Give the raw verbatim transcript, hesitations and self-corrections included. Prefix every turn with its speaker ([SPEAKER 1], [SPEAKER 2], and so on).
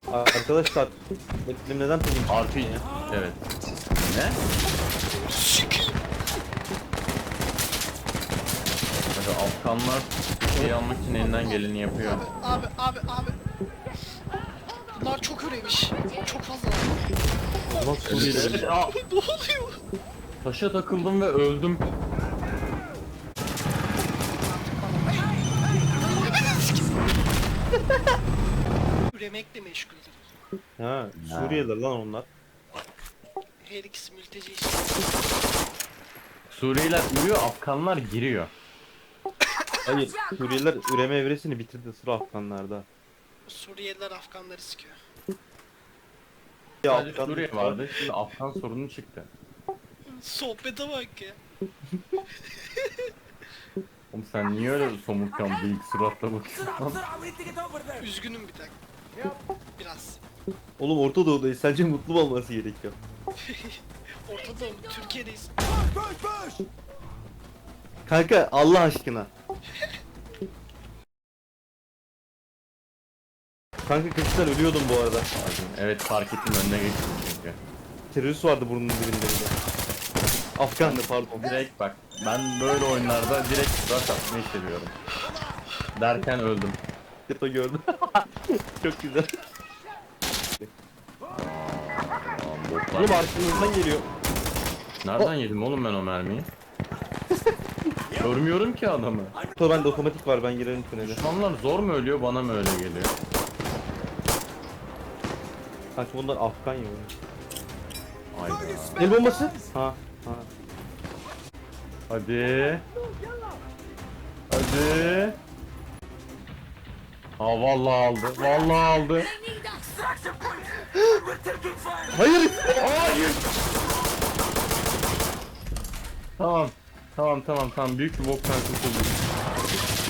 [SPEAKER 1] Arkadaşlar benim neden pingim çıktı
[SPEAKER 2] Artı
[SPEAKER 1] ya?
[SPEAKER 2] evet. Ne? Hadi Afganlar şey almak için elinden geleni yapıyor.
[SPEAKER 3] Abi abi abi. Bunlar çok üremiş. Çok fazla.
[SPEAKER 1] Ulan Suriyeli.
[SPEAKER 2] Aa,
[SPEAKER 3] Ne oluyor?
[SPEAKER 2] taşa takıldım ve öldüm.
[SPEAKER 3] Üremekle meşguldür.
[SPEAKER 1] Ha, Suriyeliler lan onlar.
[SPEAKER 3] Her ikisi mülteci işte.
[SPEAKER 2] Suriyeliler ürüyor, Afganlar giriyor.
[SPEAKER 1] Hayır, Suriyeliler üreme evresini bitirdi, sıra Afganlarda.
[SPEAKER 3] Suriyeliler Afganları sıkıyor.
[SPEAKER 1] Ya
[SPEAKER 2] Sadece
[SPEAKER 1] Afgan
[SPEAKER 2] Suriye vardı, şimdi Afgan sorunu çıktı.
[SPEAKER 3] Sohbete bak ya.
[SPEAKER 2] Oğlum sen niye öyle somurtkan büyük suratla bakıyorsun?
[SPEAKER 3] Üzgünüm bir dakika. Biraz.
[SPEAKER 1] Oğlum Orta Doğu'dayız, sence mutlu mu olması gerekiyor?
[SPEAKER 3] Ortada Türkiye'deyiz.
[SPEAKER 1] Kanka Allah aşkına. Kanka kızlar ölüyordum bu arada.
[SPEAKER 2] Evet fark ettim, önüne geçtim çünkü.
[SPEAKER 1] Terörist vardı burnunun dibinde bir de. Afganlı pardon.
[SPEAKER 2] Direkt bak, ben böyle oyunlarda direkt rush atmayı seviyorum. Derken öldüm.
[SPEAKER 1] Yato gördüm. Çok güzel.
[SPEAKER 2] Aa, botlar.
[SPEAKER 1] Oğlum arkamızdan geliyor.
[SPEAKER 2] Nereden yedim oğlum ben o mermiyi? Görmüyorum ki adamı.
[SPEAKER 1] Yato bende otomatik var, ben girerim tünele.
[SPEAKER 2] Düşmanlar zor mu ölüyor, bana mı öyle geliyor?
[SPEAKER 1] Kanka bunlar Afgan ya.
[SPEAKER 2] Hayda.
[SPEAKER 1] El bombası. Ha ha.
[SPEAKER 2] Hadi. Hadi. Aa vallahi aldı. Vallahi aldı.
[SPEAKER 1] Hayır.
[SPEAKER 2] Hayır. Tamam. Tamam tamam tamam. Büyük bir boktan kurtulduk.